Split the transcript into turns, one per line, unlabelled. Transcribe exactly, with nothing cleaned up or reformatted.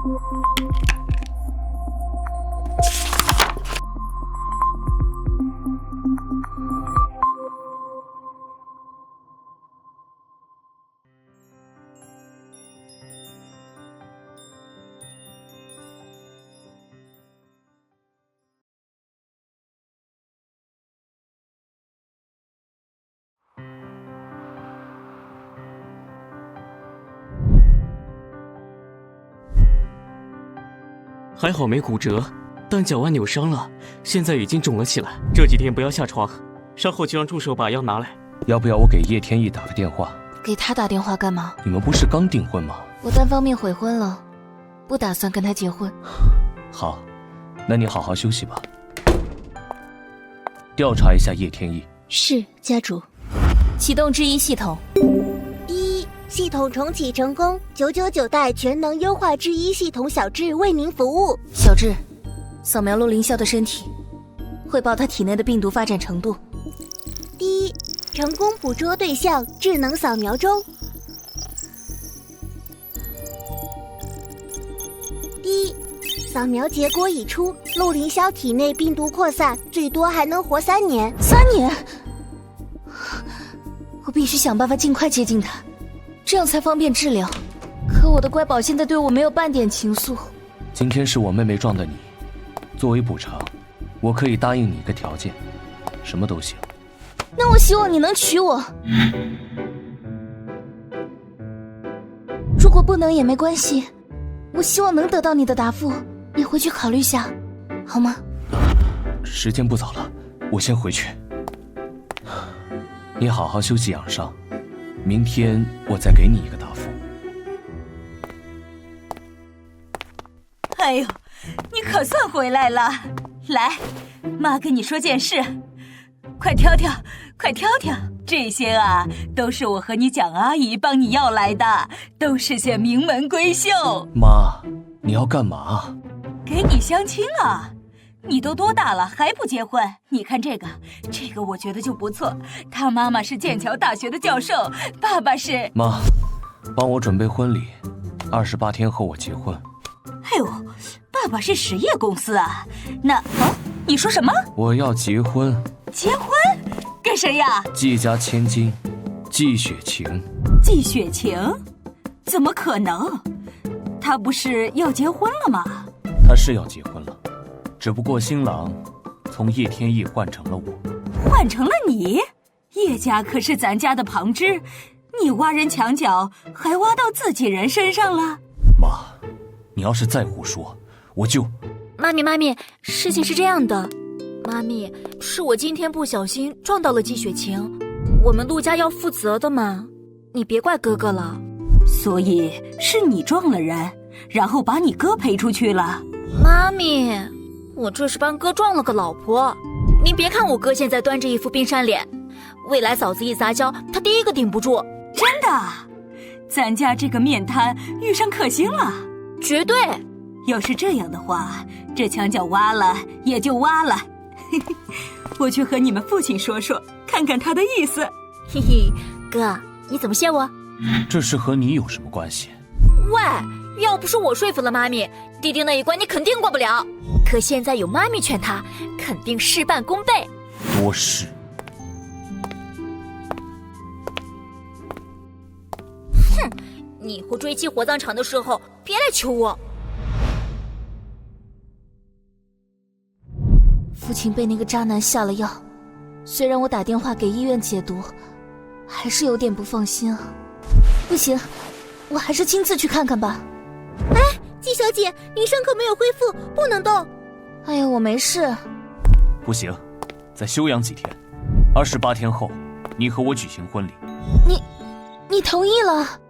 还好没骨折，但脚腕扭伤了，现在已经肿了起来。这几天不要下床，稍后就让助手把药拿来。
要不要我给叶天意打个电话？
给他打电话干嘛？
你们不是刚订婚吗？
我单方面悔婚了，不打算跟他结婚。
好，那你好好休息吧。调查一下叶天意。
是，家主。启动制衣系统。
一，系统重启成功，九九九代全能优化制衣系统小智为您服务。
小智，扫描陆凌霄的身体，汇报他体内的病毒发展程度。
第一，成功捕捉对象，智能扫描中。第一，扫描结果已出，陆凌霄体内病毒扩散，最多还能活三年。
三年？我必须想办法尽快接近他，这样才方便治疗。可我的乖宝现在对我没有半点情愫。
今天是我妹妹撞的你，作为补偿，我可以答应你一个条件，什么都行。
那我希望你能娶我。如果不能也没关系，我希望能得到你的答复。你回去考虑下，好吗？
时间不早了，我先回去。你好好休息养伤，明天我再给你一个答复。
哎呦，你可算回来了！来，妈跟你说件事，快挑挑，快挑挑，这些啊都是我和你蒋阿姨帮你要来的，都是些名门闺秀。
妈，你要干嘛？
给你相亲啊！你都多大了还不结婚？你看这个，这个我觉得就不错。他妈妈是剑桥大学的教授，爸爸是……
妈，帮我准备婚礼，二十八天后我结婚。
哎呦，爸爸是实业公司啊？那啊，你说什么？
我要结婚。
结婚？跟谁呀？
季家千金，季雪晴。
季雪晴？怎么可能？她不是要结婚了吗？
她是要结婚了。只不过新郎从叶天意换成了我。
换成了你？叶家可是咱家的旁支，你挖人墙角还挖到自己人身上了？
妈，你要是再胡说，我就……
妈咪妈咪，事情是这样的，妈咪，是我今天不小心撞到了季雪晴，我们陆家要负责的嘛，你别怪哥哥了。
所以是你撞了人，然后把你哥赔出去了？
妈咪，我这是帮哥撞了个老婆，您别看我哥现在端着一副冰山脸，未来嫂子一撒娇，他第一个顶不住。
真的？咱家这个面瘫遇上克星了？
绝对。
要是这样的话，这墙角挖了也就挖了。我去和你们父亲说说，看看他的意思。
嘿嘿，哥，你怎么谢我？
这事和你有什么关系？
喂，要不是我说服了妈咪，弟弟那一关你肯定过不了。可现在有妈咪劝他，肯定事半功倍。
多事。
哼，你以后追击火葬场的时候，别来求我。父亲被那个渣男下了药，虽然我打电话给医院解毒，还是有点不放心啊。不行，我还是亲自去看看吧。
哎，季小姐，您伤口没有恢复，不能动。
哎呀，我没事。
不行，再休养几天，二十八天后，你和我举行婚礼。
你，你同意了？